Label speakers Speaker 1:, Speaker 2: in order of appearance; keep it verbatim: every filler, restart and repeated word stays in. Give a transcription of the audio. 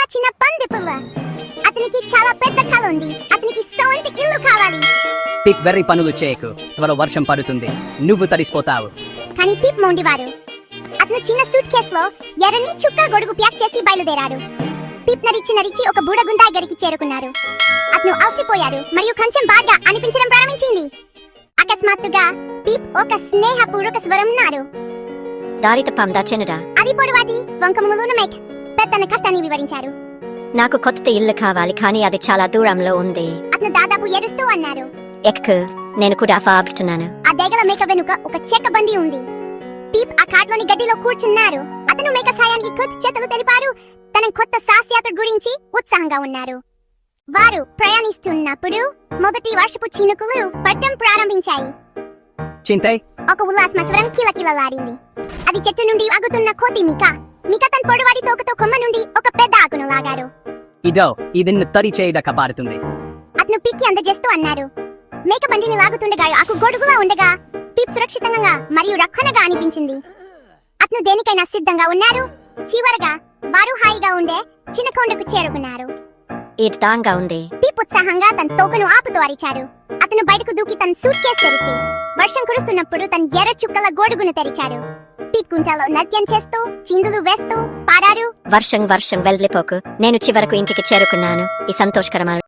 Speaker 1: చిన్న పంది పిల్ల. అతనికి చాలా పెద్ద కల ఉంది. అతనికి సొంత ఇల్లు కావాలి.
Speaker 2: పిప్ వెర్రి పనులు చేయకు, త్వరలో వర్షం పడుతుంది, నువ్వు తడిసిపోతావు.
Speaker 1: కానీ పిప్ మొండివాడు. అతను చిన్న సూట్ కేసులో ఎర్రని చుక్క గొడుగు ప్యాక్ చేసి బయలుదేరాడు. పిప్ నడిచి నడిచి ఒక బూడగుంటాయి గడికి చేరుకున్నాడు. అతను అలసిపోయాడు మరియు కొంచెం బాగా అనిపించడం ప్రారంభించింది. అకస్మాత్తుగా పిప్ ఒక స్నేహపూర్వక స్వరం నాడు.
Speaker 3: దారి తప్పందా చిన్నదా?
Speaker 1: అది పొడవాటి వంకములున్న మేక్ పెద్దన కష్టాన్ని వివరించారు.
Speaker 3: నాకు కొత్త ఇల్లు కావాలి, కానీ అది చాలా దూరంలో ఉంది.
Speaker 1: అతను దాదాపు ఏడుస్తూ అన్నారు.
Speaker 3: ఎక్కు, నేను కూడా ఫాగుతున్నాను.
Speaker 1: ఆ దేగల మేక వెనుక ఒక చెక్క బండి ఉంది. పీప్ ఆ కార్ట్లోని గడ్డిలో కూర్చున్నారు. అతను మేక సాయానికి కొద్ది చేతులు తెలిపారు. తన కొత్త సాహసయాత్ర గురించి ఉత్సాహంగా ఉన్నారు. వారు ప్రయాణిస్తున్నప్పుడు మొదటి వర్షపు చినుకులు పడటం ప్రారంభించాయి.
Speaker 2: చింతే
Speaker 1: ఒక ఉల్లాసమ స్వరం కిలకిలలాడింది. అది చెట్టు నుండి ఆగుతున్న కోతి మిక. మిక తన పొడవాటి తోకతో కొమ్మ నుండి ఒక పెద్ద ఆకును లాగారు.
Speaker 2: ఇదో ఇది నిన్ను తడి చేయడక పారుతుంది.
Speaker 1: అతను పిక్కి అందజేస్తూ అన్నారు. మేక బండిని లాగుతుండగా ఆకు గొడుగులా ఉండగా పీప్ సురక్షితంగా మరియు రక్షణగా అనిపించింది. అతను దేనికైనా సిద్ధంగా ఉన్నారు. చివరగా వారు హాయిగా ఉండే చిన్న కొండకు చేరుకున్నారు.
Speaker 3: ఇది తాంగా ఉంది.
Speaker 1: పీప్ ఉత్సాహంగా తన తోకను ఆపుతూ అరిచాడు. అతను బయటకు దూకి తన సూట్ కేసు తెరిచి వర్షం కురుస్తున్నప్పుడు తన ఎర్ర చుక్కల గొడుగును తెరిచాడు. పీప్ కుంటలో నృత్యం చేస్తూ చిందులు వేస్తూ పాడారు.
Speaker 3: వర్షం వర్షం వెళ్ళిపోకు, నేను చివరకు ఇంటికి చేరుకున్నాను. ఈ సంతోషకరమైన